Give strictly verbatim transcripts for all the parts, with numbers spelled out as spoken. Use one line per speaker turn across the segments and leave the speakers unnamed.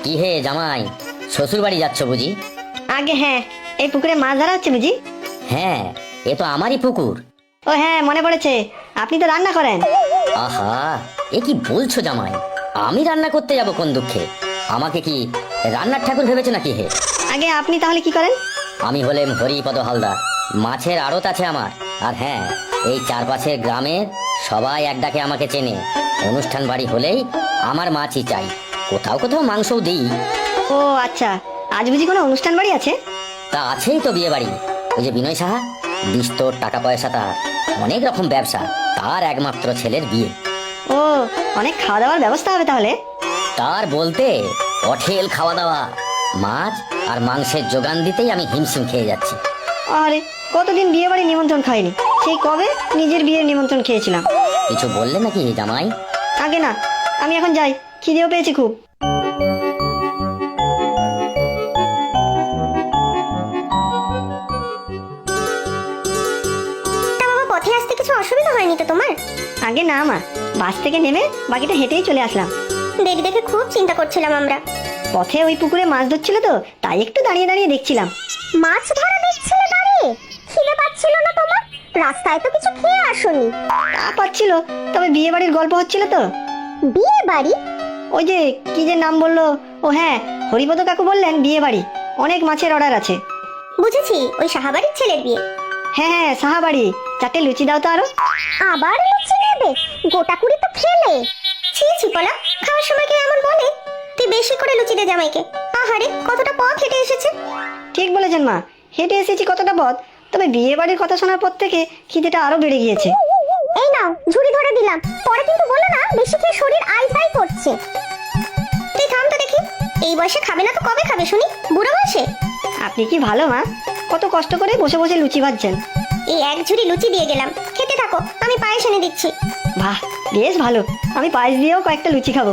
কি হে জামাই, শ্বশুর বাড়ি যাচ্ছ বুঝি?
আগে হ্যাঁ, এই পুকুরে মাছ ধরা হচ্ছে বুঝি?
হ্যাঁ, এ তো আমারই পুকুর।
ও হ্যাঁ, মনে পড়েছে, আপনি তো রান্না করেন।
আহা, এ কি বলছো জামাই? আমি রান্না করতে যাব কোন দুঃখে? আমাকে কি রান্নার ঠাকুর ভেবেছো নাকি হে?
আগে আপনি তাহলে কি করেন?
আমি হলেম হরিপদ হালদার, মাছের আড়ত আছে আমার। আর হ্যাঁ, এই চারপাশের গ্রামের সবাই এক ডাকে আমাকে চেনে। অনুষ্ঠান বাড়ি হলেই আমার মাছই চাই, কোথাও কোথাও মাংসও দিই।
ও আচ্ছা, আজ বুঝি কোনো অনুষ্ঠান বাড়ি আছে?
তা আছেই তো বিয়ে বাড়ি। ওই যে বিনয় সাহা, বিস্তর টাকা পয়সা, তার অনেক রকম ব্যবসা, তার একমাত্র ছেলের বিয়ে।
ও, অনেক খাওয়া দাওয়ার ব্যবস্থা হবে তাহলে।
তার বলতে অঠেল খাওয়া দাওয়া, মাছ আর মাংসের যোগান দিতেই আমি হিমশিম খেয়ে যাচ্ছি।
আরে কতদিন বিয়ে বাড়ি নিমন্ত্রণ খাইনি, সেই কবে নিজের বিয়ের নিমন্ত্রণ খেয়েছিলাম।
কিছু বললে নাকি জামাই?
আগে না, আমি এখন যাই, খিদেও পেয়েছি খুব।
পথে আসতে কিছু অসুবিধা হয়নি তো তোমার?
আগে না মা, বাস থেকে নেমে বাকিটা হেঁটেই চলে আসলাম।
দেখে দেখে খুব চিন্তা করছিলাম আমরা।
পথে ওই পুকুরে মাছ ধরছিল তো, তাই একটু দাঁড়িয়ে দাঁড়িয়ে দেখছিলাম।
মাছ ধরা দেখছিলে দাঁড়িয়ে? খিদে পাচ্ছিল না তোমার? রাস্তায় তো কিছু খেয়ে আসোনি।
তা পাচ্ছিল, তবে বিয়ে বাড়ির গল্প হচ্ছিল তো।
বিয়ে বাড়ি?
ওই যে কি যে নাম বললো, ও হ্যাঁ, হরিপদ কাকু বললেন বিয়ে বাড়ি, অনেক মাছের অর্ডার আছে।
বুঝেছি, ওই সাহাবাড়ির ছেলের বিয়ে।
হ্যাঁ হ্যাঁ, সাহাবাড়ি। চারটে লুচি দাও তো আরো।
আবার লুচি নেবে? গোটা কুড়ি তো খেলে। ছি ছি পলা, খাওয়ার সময় কেউ এমন বলে? তুই বেশি করে লুচি দে জামাইকে। আহারে, কতটা পথ হেঁটে এসেছে।
ঠিক বলেছেন মা, হেঁটে এসেছি কতটা পথ, তবে বিয়ে বাড়ির কথা শোনার পর থেকে খিদেটা আরো বেড়ে গিয়েছে।
এই নাও, ঝুড়ি ধরে দিলাম, পরে কিন্তু বলো না বেশি খেয়ে শরীর আইসাই করছে। তুই থাম তো দেখি, এই বয়সে খাবে না তো কবে খাবে শুনি? বুড়ো বয়সে?
আপনি কি ভালো মা, কত কষ্ট করে বসে বসে লুচি ভাজছেন।
এই এক ঝুড়ি লুচি দিয়ে গেলাম, খেতে থাকো, আমি পায়েস এনে দিচ্ছি।
বাহ, বেশ ভালো, আমি পায়েস দিয়েও কয়েকটা লুচি খাবো।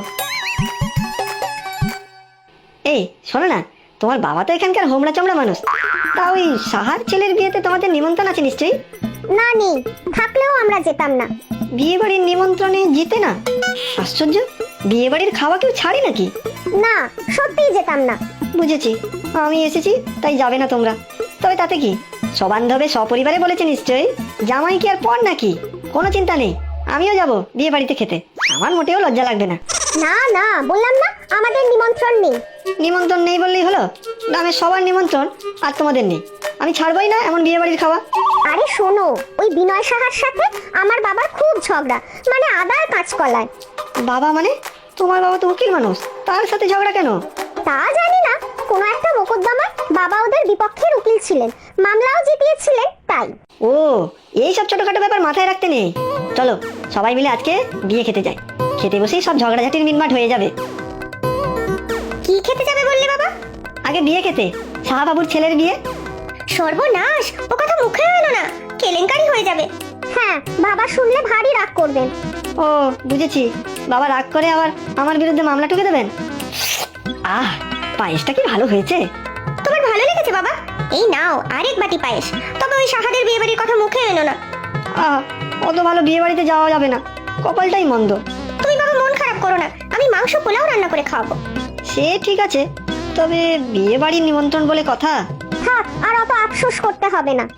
এই শোনো না, তোমার বাবা তো এখানকার হোমড়া চমড়া মানুষ, তা ওই সাহার ছেলের বিয়েতে তোমাদের নিমন্ত্রণ আছে নিশ্চয়ই?
না নেই, থাকলেও আমরা যেতাম না।
বিয়ে বাড়ির নিমন্ত্রণে জিতে না? আশ্চর্য, বিয়ে বাড়ির খাওয়া কেউ ছাড়ে নাকি?
না, সত্যিই যেতাম না।
বুঝেছি, আমি এসেছি তাই যাবে না তোমরা। তবে তাতে কি, সবান্ধবে সপরিবারে বলেছে নিশ্চয়ই, জামাই কি আর পর নাকি? কোনো চিন্তা নেই, আমিও যাব বিয়ে বাড়িতে খেতে, আমার মোটেও লজ্জা লাগবে না।
না না, বললাম না আমাদের নিমন্ত্রণ নেই।
নিমন্ত্রণ নেই বললেই হলো? গ্রামের সবার নিমন্ত্রণ আর তোমাদের নেই, আমি ছাড়বই না এমন বিয়ে বাড়ির খাওয়া।
আরে শোনো, ওই বিনয় সাহার সাথে আমার বাবার খুব ঝগড়া, মানে আদার কাঁচকলায়।
বাবা মানে? তোমার বাবা তো উকিল মানুষ, তার সাথে ঝগড়া কেন?
তা জানি না, কোনো একটা মোকদ্দমায় বাবা ওদের বিপক্ষের উকিল ছিলেন, মামলাও জিতিয়েছিলেন, তাই।
ও, এইসব ছোটখাটো ব্যাপার মাথায় রাখতে নেই। চলো সবাই মিলে আজকে বিয়ে খেতে যাই, খেতে বসেই সব ঝগড়াঝাটির মিটমাট হয়ে যাবে।
কি খেতে যাবে বললে বাবা?
আগে বিয়ে খেতে, সাহাবাবুর ছেলের বিয়ে।
সর্বনাশ, ও কথা মুখে এলো না, কেলেঙ্কারি হয়ে যাবে। হ্যাঁ, বাবা শুনলে ভারী রাগ করবেন।
ও বুঝেছি, বাবা রাগ করে আবার আমার বিরুদ্ধে মামলা ঠুকে দেবেন। আহ, পায়েসটা কি ভালো হয়েছে?
তোমার ভালো লেগেছে বাবা? এই নাও আরেক বাটি পায়েস, তবে ওই সাহাদের বিয়ে বাড়ির কথা মুখে এলো না।
আহ, অত ভালো বিয়ে বাড়িতে যাওয়া যাবে না, কপালটাই মন্দ।
তুমি বাবা মন খারাপ করো না, আমি মাংস পোলাও রান্না করে খাওয়াবো।
সে ঠিক আছে, তবে বিয়ে বাড়ির নিমন্ত্রণ বলে কথা।
থাক, আর অত আফসোস করতে হবে না।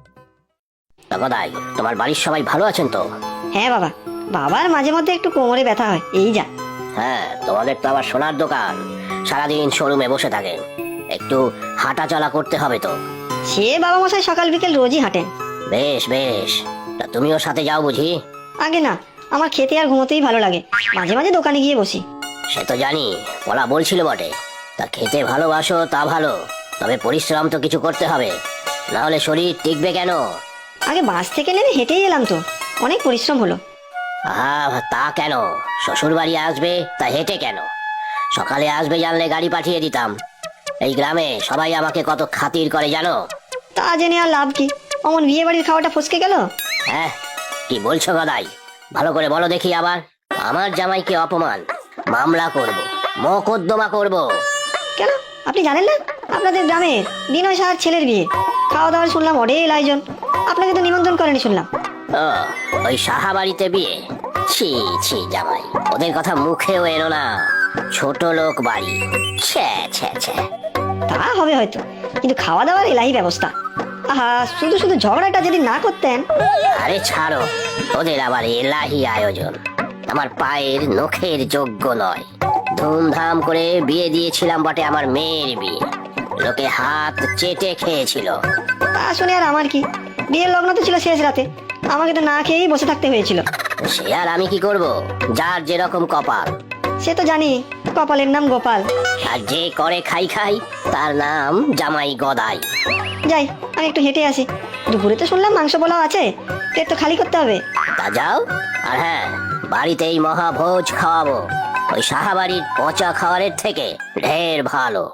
দাদাই, তোমার বাড়ির সবাই ভালো আছেন তো?
হ্যাঁ বাবা, বাবার মাঝে মধ্যে একটু কোমরে ব্যথা হয়, এই যা।
হ্যাঁ, তোমাদের তো আবার সোনার দোকান, সারাদিন শোরুমে বসে থাকে, একটু হাঁটা চলা করতে হবে তো।
সে বাবা মশাই সকাল বিকেল রোজই হাঁটেন।
বেশ বেশ, তা তুমিও সাথে যাও বুঝি?
আগে না, আমার খেতে আর ঘুমোতেই ভালো লাগে, মাঝে মাঝে দোকানে গিয়ে বসি।
সে তো জানি, বলা বলছিল বটে। তা খেতে ভালোবাসো তা ভালো, তবে পরিশ্রম তো কিছু করতে হবে, না হলে শরীর টিকবে কেন?
আগে বাস থেকে নেমে হেঁটেই এলাম তো, অনেক পরিশ্রম হলো।
আহা, তা কেন? শ্বশুর বাড়ি আসবে তা হেঁটে কেন? সকালে আসবে জানলে গাড়ি পাঠিয়ে দিতাম। এই গ্রামে সবাই আমাকে কত খাতির করে জানো?
তা জেনে আর লাভ কি, অমন বিয়ে বাড়ির খাওয়াটা ফসকে গেল।
হ্যাঁ, কি বলছো গদাই? ভালো করে বলো দেখি। আবার আমার জামাইকে অপমান, মামলা করব, মোকদ্দমা করব।
কেন, আপনি জানেন না আপনাদের গ্রামের বিনয় সাহার ছেলের বিয়ে? খাওয়া দাওয়ার শুনলাম অঢেল আয়োজন, আপনাকে তো নিমন্ত্রণ করেনি শুনলাম।
ও, ওই সাহা বাড়িতে বিয়ে? ছি ছি জামাই, ওদের কথা মুখেও এলো না।
ছোট লোক বাড়ি। ছ্যা ছ্যা ছ্যা।
তা হবে হয়তো, কিন্তু খাওয়া দাওয়ার এলাহি ব্যবস্থা। আহা, শুধু শুধু ঝগড়াটা যদি না করতেন।
আরে ছাড়ো, ওদের আবার এলাহি আয়োজন আমার পায়ের নখের যোগ্য নয়। ধুমধাম করে বিয়ে দিয়েছিলাম বটে, আমার মেয়ের বিয়ে। লোকে হাত চেটে খেয়েছিল।
তা শুনে আর আমার কি, বিয়ের লগ্ন তো ছিল শেষ রাতে, আমাকে তো না খেয়েই বসে থাকতে হয়েছিল।
সে আর আমি কি করব, যার যেরকম কপাল।
সে তো জানি, কপালের নাম গোপাল।
আর যে করে খাই খাই, তার নাম জামাই গদাই।
যাই, আমি একটু হেঁটে আসি। দুপুরে তো শুনলাম মাংস পোলাও আছে, পেট তো খালি করতে হবে।
তা যাও। আর হ্যাঁ, বাড়িতেই মহাভোজ খাওয়াবো, ওই সাহাবাড়ির পচা খাবারের থেকে ঢের ভালো।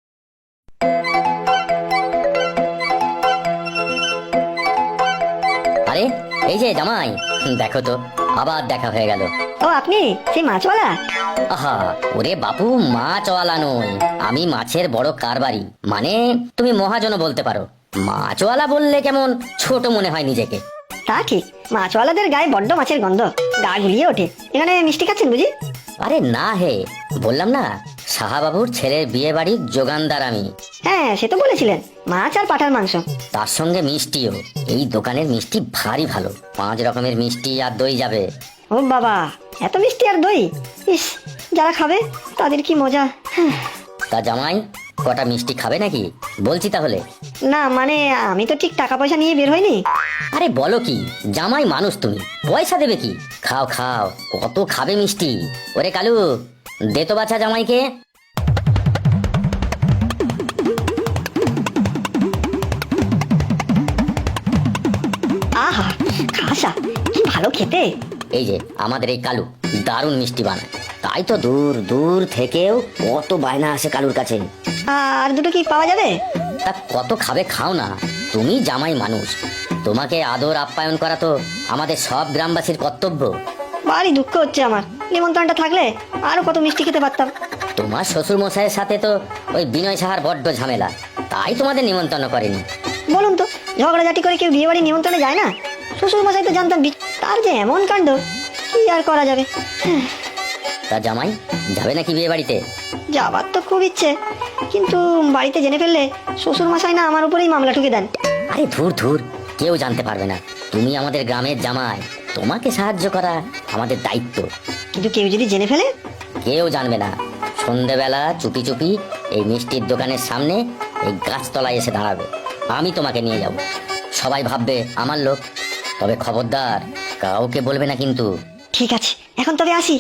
আরে এই যে জামাই, দেখো তো আবার দেখা হয়ে গেল।
ও আপনি সেই মাছওয়ালা?
আহা, ওরে বাপু, মাছওয়ালা নই, আমি মাছের বড় কারবারি, মানে তুমি মহাজনও বলতে পারো। মাছওয়ালা বললে কেমন ছোট মনে হয় নিজেকে।
তা ঠিক, মাছওয়ালাদের গায়ে বড্ড মাছের গন্ধ, গা গুলিয়ে ওঠে। এখানে মিষ্টি খাচ্ছেন বুঝি?
আরে না হে, বললাম না, সাহাবাবুর ছেলের বিয়ে বাড়ির যোগানদার আমি।
হ্যাঁ, সে তো বলেছিলেন, মাছ আর পাঠার মাংস।
তার সঙ্গে মিষ্টিও। এই দোকানের মিষ্টি ভারী ভালো, পাঁচ রকমের মিষ্টি আর দই যাবে।
ও বাবা, এত মিষ্টি আর দই! ইস, যারা খাবে তাদের কি মজা। হ্যাঁ।
তা জামাই, কটা মিষ্টি খাবে নাকি? বলছি তাহলে।
না মানে, আমি তো ঠিক টাকা পয়সা নিয়ে বের হইনি।
আরে বলো কি, জামাই মানুষ তুমি, পয়সা দেবে কি? খাও খাও, কত খাবে মিষ্টি। ওরে কালু, দে তো বাছা জামাইকে।
আহা, খাসা কি ভালো খেতে।
এই যে আমাদের এই কালু দারুণ মিষ্টি বানায়, তাই তো দূর দূর থেকেও কত বায়না আসে কালুর কাছে।
আর দুটো কি পাওয়া যাবে?
তা কত খাবে খাও না, তুমি জামাই মানুষ, তোমাকে আদর আপ্যায়ন করা তো আমাদের সব গ্রামবাসীর কর্তব্য।
ভারী দুঃখ হচ্ছে আমার, নিমন্ত্রণটা থাকলে আরো কত মিষ্টি খেতে পারতাম।
তোমার শ্বশুর মশাইয়ের সাথে তো ওই বিনয় সাহার বড্ড ঝামেলা, তাই তোমাদের নিমন্ত্রণ করেনি।
বলুন তো, ঝগড়াঝাটি করে কেউ বিয়ে বাড়ি নিমন্ত্রণে যায় না? শ্বশুর মশাই তো জানতাম, বি- তার যে এমন কাণ্ড, কি আর করা যাবে। হ্যাঁ,
তা জামাই যাবে নাকি বিয়ে বাড়িতে?
যাবার তো খুব ইচ্ছে, কিন্তু বাড়িতে জেনে ফেললে শ্বশুর মশাই না আমার উপরেই মামলা ঠুকে দেন।
আরে ধুর ধুর, কেউ জানতে পারবে না, তুমি আমাদের গ্রামের জামাই, তোমাকে সাহায্য করা আমাদের দায়িত্ব।
কিন্তু কেউ যদি জেনে ফেলে?
কেউ জানবে না, সন্ধেবেলা চুপি চুপি এই মিষ্টির দোকানের সামনে এই গাছতলায় এসে দাঁড়াবে, আমি তোমাকে নিয়ে যাব, সবাই ভাববে আমার লোক। তবে খবরদার, কাউকে বলবে না কিন্তু।
ঠিক আছে, এখন তবে আসি।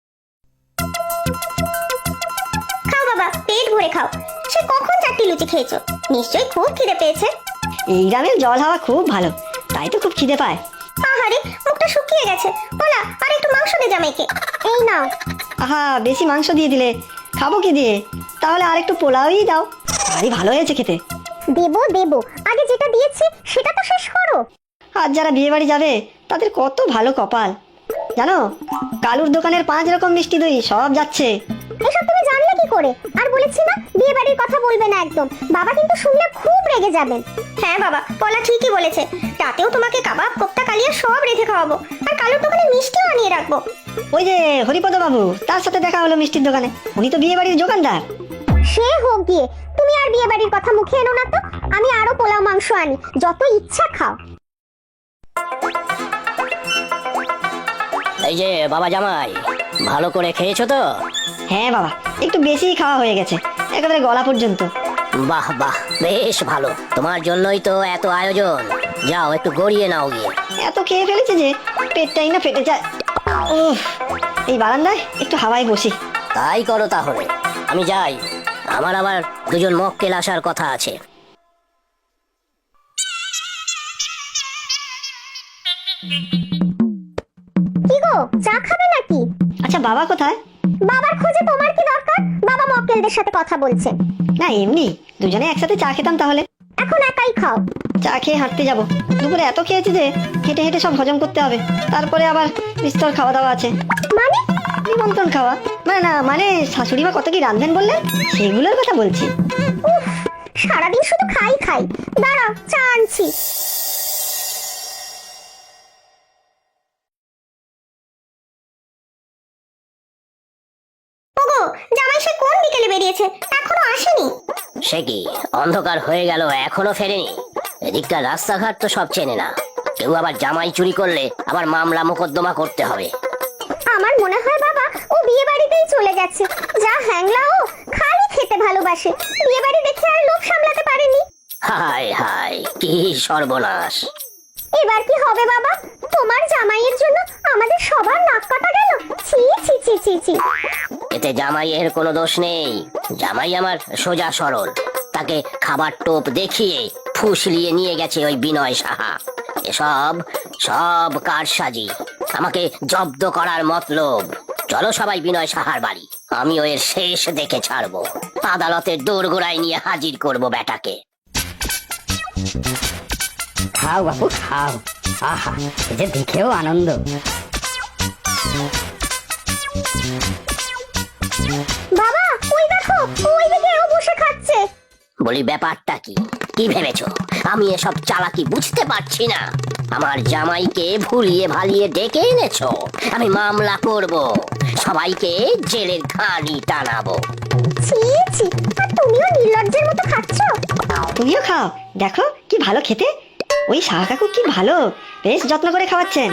খাও বাবা, পেট ভরে খাও। সে কখন চারটি লুচি খেয়েছো, নিশ্চয়ই খুব খিদে পেয়েছে।
এই গ্রামের জল হাওয়া খুব ভালো, তাই তো খুব খিদে পায়।
আহারে, মুখটা শুকিয়ে গেছে। বলা, আর একটু মাংস দে জামাইকে। এই নাও।
আহা, বেশি মাংস দিয়ে দিলে, খাবো কি দিয়ে? তাহলে আর একটু পোলাওই দাও, ভারী ভালো হয়েছে খেতে।
দেবো দেবো, আগে যেটা দিয়েছি সেটা তো শেষ করো।
আর যারা বিয়ে বাড়ি যাবে তাদের কত ভালো কপাল জানো, কালুর দোকানের পাঁচ রকম মিষ্টি দই সব যাচ্ছে।
এসব তুমি জানলে কি করে? আর বলেছি না, বিয়ে বাড়ির কথা বলবে না একদম, বাবা কিন্তু শুনলে খুব রেগে যাবেন। হ্যাঁ বাবা, পলা ঠিকই বলেছে, রাতেও তোমাকে কাবাব, কোপ্তা, কালিয়া সব রেখে খাওয়াবো, আর কালুর দোকানে মিষ্টিও আনিয়ে রাখবো।
ওই যে হরিপদ বাবু, তার সাথে দেখা হলো মিষ্টির দোকানে, উনি তো বিয়ে বাড়ির দোকানদার।
সে হোক গিয়ে, তুমি আর বিয়ে বাড়ির কথা মুখে এনো না তো। আমি আরো পোলাও মাংস আনি, যত ইচ্ছা খাও।
এই যে বাবা জামাই, ভালো করে খেয়েছো তো?
হ্যাঁ বাবা, একটু বেশি খাওয়া হয়ে গেছে, একেবারে গলা পর্যন্ত।
বাহ বাহ, বেশ ভালো, তোমার জন্যই তো এত আয়োজন। যাও একটু গড়িয়ে নাও গিয়ে।
এত খেয়ে ফেলেছে যে পেটটাই না ফেটে যায়। উফ, এই বারান্দায় একটু হাওয়ায় বসি।
তাই করো তাহলে, আমি যাই, আমার আবার দুজন মক্কেল আসার কথা আছে।
কি গো, চা খাবে নাকি?
আচ্ছা, বাবা কোথায়?
বাবার খোঁজে তোমার কি দরকার? বাবা মক্কেলদের সাথে কথা বলছেন।
না এমনি, দুজনে একসাথে চা খেতাম তাহলে।
এখন একাই খাও।
চা খেয়ে হাঁটতে যাব, দুপুরে এত খেয়েছি যে হেঁটে হেঁটে সব হজম করতে হবে, তারপরে আবার বিস্তর খাওয়া দাওয়া আছে।
মানে?
নিমন্ত্রণ খাওয়া মানে, না মানে শাশুড়ি মা কত কি রাঁধবেন বললেন, সেগুলোর কথা বলছি।
উফ, সারাদিন শুধু খাই খাই। দাঁড়াও, চা আনছি। ওগো, জামাই সে কোন বিকেলে বেরিয়েছে, এখনো আসেনি।
সে কি অন্ধকার হয়ে গেল এখনো ফেরেনি? এদিকটা রাস্তাঘাট তো সব চেনে না, কেউ আবার জামাই চুরি করলে আবার মামলা মোকদ্দমা করতে হবে।
আমার মনে হয় বাবা ও বিয়ে বাড়িতেই চলে গেছে। যা হ্যাংলা ও, খালি খেতে ভালোবাসে, বিয়ে বাড়ি দেখে আর লোভ সামলাতে পারেনি।
হায় হায়, কি সর্বনাশ!
এবার কি হবে বাবা? তোমার জামাইয়ের জন্য আমাদের সবার নাক কাটা গেল। ছি ছি ছি ছি ছি।
এতে জামাইয়ের কোনো দোষ নেই। জামাই আমার সোজা সরল, তাকে খাবার টোপ দেখিয়ে ফুসলিয়ে নিয়ে গেছে ওই বিনয় সাহা। এসব সব কারসাজি, আমাকে জব্দ করার মতলব। চলো সবাই বিনয় সাহার বাড়ি, আমি ওর শেষ দেখে ছাড়বো। আদালতের দোরগোড়ায় নিয়ে হাজির করব বেটাকে।
খাও বাপু খাও, আহা এ যে দেখেও আনন্দ।
বাবা ওই দেখো, ওইদিকে ও বসে খাচ্ছে।
বলি ব্যাপারটা কি? কি ভেবেছো আমি এসব চালাকি বুঝতে পারছি না? আমার জামাইকে ভুলিয়ে ভালিয়ে ডেকে এনেছো, আমি মামলা করব, সবাইকে জেলের ঘানি টানাবো।
ছি ছি, আর তুমিও নির্লজ্জের মতো খাচ্ছ।
তুমিও খাও, দেখো কি ভালো খেতে। ওই শাহ কাকু কি ভালো, বেশ যত্ন করে খাওয়াচ্ছেন।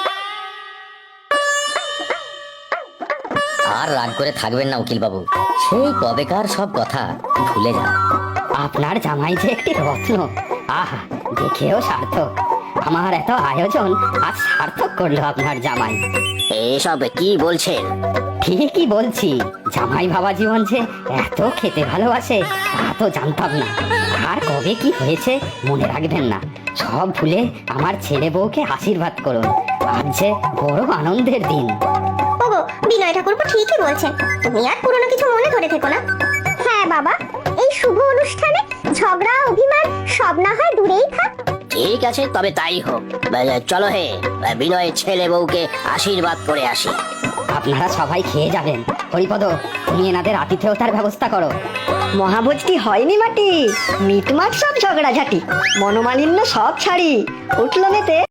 আর রাগ করে থাকবেন না উকিল বাবু, সেই কবেকার সব কথা ভুলে যান। আপনার জামাই যে একটি রত্ন, আহা দেখেও সার্থক। আমার এত আয়োজন আজ সার্থক করলো আপনার জামাই।
এসব কি বলছেন?
ঠিকই বলছি, জামাই বাবা জীবন যে এত খেতে ভালোবাসে তা তো জানতাম না। আর কবে কি হয়েছে মনে রাখবেন না, সব ভুলে আমার ছেলে বউকে আশীর্বাদ করুন। আজ যে বড় আনন্দের দিন।
ওগো বিনয় ঠাকুরপো ঠিকই বলছেন, তুমি আর পুরনো কিছু মনে ধরে থেকো না। হ্যাঁ বাবা, এই শুভ অনুষ্ঠানে ঝগড়া অভিমান সব না হয় দূরেই থাক।
ঠিক আছে, তবে তাই হোক। বা- চলো হে, বিনয়ের ছেলে বউকে আশীর্বাদ করে আসি।
আপনারা সবাই খেয়ে যাবেন। হরিপদ, তুমি এনাদের আতিথেয়তার ব্যবস্থা করো।
মহাভোজটি হয়নি মাটি, মিটমাট সব ঝগড়াঝাটি, মনোমালিন্য সব ছাড়ি, উঠলো মেতে